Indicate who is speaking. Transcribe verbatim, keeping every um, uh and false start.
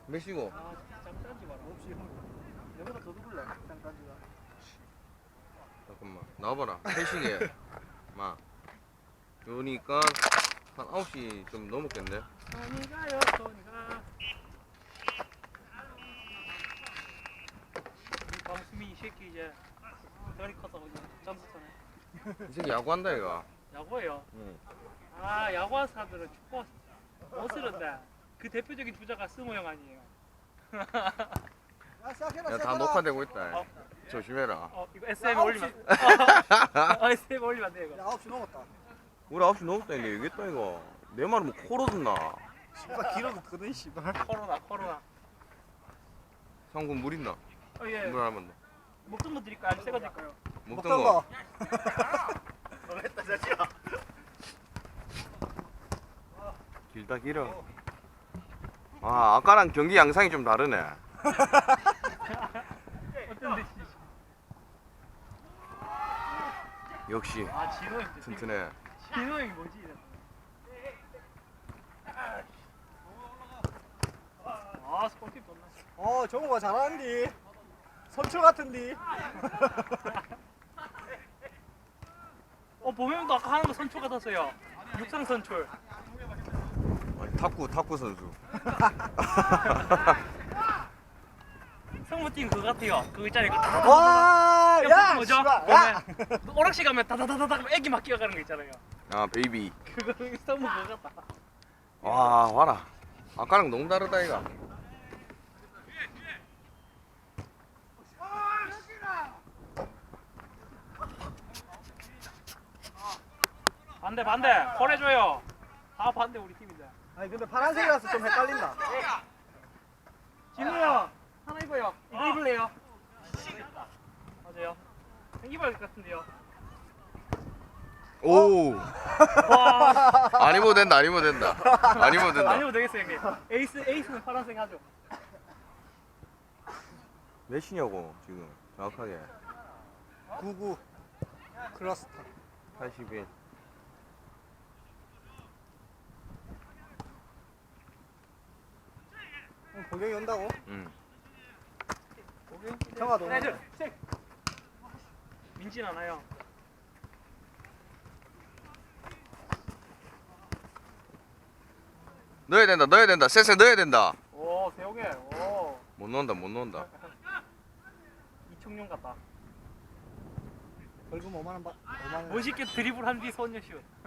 Speaker 1: 몇시고?
Speaker 2: 아 짱딴지 마라.
Speaker 3: 없이 형. 내보다 더 누굴래? 짱까지가.
Speaker 1: 잠깐만 나와봐라. 회식에 마 그러니까 한 아홉 시 좀 넘었겠네.
Speaker 2: 손이 가요 손이 가. 이 방수민 이 새끼 이제 다리 커서 이제 점수 타네.
Speaker 1: 이 새끼 야구한다 이거.
Speaker 2: 야구예요.
Speaker 1: 응.
Speaker 2: 아 야구한 사람들은 축구 못 쓰는데 그 대표적인 주자가 승호 형 아니에요.
Speaker 3: 야 시작해라.
Speaker 1: 야 다
Speaker 3: 시작해라.
Speaker 1: 녹화되고 있다.
Speaker 2: 어.
Speaker 1: 조심해라.
Speaker 2: 어 이거 에스엠에
Speaker 3: 야,
Speaker 2: 올리면 어, 어, 에스엠에 올리면 안 돼 이거.
Speaker 3: 야 아홉 시 넘었다.
Speaker 1: 우리 아홉 시 넘었다 이게 얘기했다 이거. 내 말은 뭐 코로 듣나?
Speaker 3: 씨발 길어도 거든 씨발.
Speaker 2: 코로나 코로나.
Speaker 1: 상군 물 있나?
Speaker 2: 어 예.
Speaker 1: 물 하나만 더.
Speaker 2: 먹던 거 드릴까요? 아니면 새거 드릴까요?
Speaker 1: 먹던
Speaker 3: 먹던
Speaker 1: 거.
Speaker 3: 거.
Speaker 2: 너무했다 자지야.
Speaker 1: 길다 길어. 아 아까랑 경기 양상이 좀 다르네.
Speaker 2: 어떤데?
Speaker 1: 역시
Speaker 2: 아 진호 형.
Speaker 1: 튼튼해.
Speaker 2: 진호 형이 뭐지? 이래. 아 스포티브 좋나?
Speaker 3: 어 정우가 잘하는디. 선출 같은디.
Speaker 2: 어 보명도 아까 하는 거 선출 같았어요. 육상 선출.
Speaker 1: 아니, 탁구 탁구 선수.
Speaker 2: 성무팀 그거 같아요. 그거 있잖아요. 그거 다다다다다.
Speaker 3: 와,
Speaker 2: 야,
Speaker 3: 야,
Speaker 2: 뭐죠?
Speaker 3: 씨발, 야.
Speaker 2: 보면 오락실 가면 다다다다다 애기 막 끼어가는 거 있잖아요.
Speaker 1: 아 베이비.
Speaker 2: 그거 성무 그거 같다.
Speaker 1: 와 와라. 아까랑 너무 다르다 이가.
Speaker 2: 반대 반대. 콜해줘요. 다 반대 우리 팀인데.
Speaker 3: 아니 근데 파란색이라서 좀 헷갈린다.
Speaker 2: 진우 형 하나 입어요. 이거 입을래요? 맞아요. 입어야 될 것 같은데요.
Speaker 1: 오.
Speaker 2: 와.
Speaker 1: 안 입어도 된다 안 입어도 된다. 안 입어도 된다.
Speaker 2: 아니면 되겠어요 형님. 에이스 에이스는 파란색 하죠.
Speaker 1: 몇이냐고 지금 정확하게.
Speaker 3: 구구 클러스터.
Speaker 1: 팔십일.
Speaker 3: 형 보경이 온다고?
Speaker 1: 응.
Speaker 3: 형아 너.
Speaker 2: 네, 저, 색. 민진 하나요.
Speaker 1: 넣어야 된다 넣어야 된다 쎄쎄 넣어야 된다.
Speaker 2: 오 세용해. 오
Speaker 1: 못 넣는다 못 넣는다.
Speaker 2: 이청용 같다.
Speaker 3: 벌금 오만 원 받. 오만 원.
Speaker 2: 멋있게 드리블 한 뒤 소녀슛.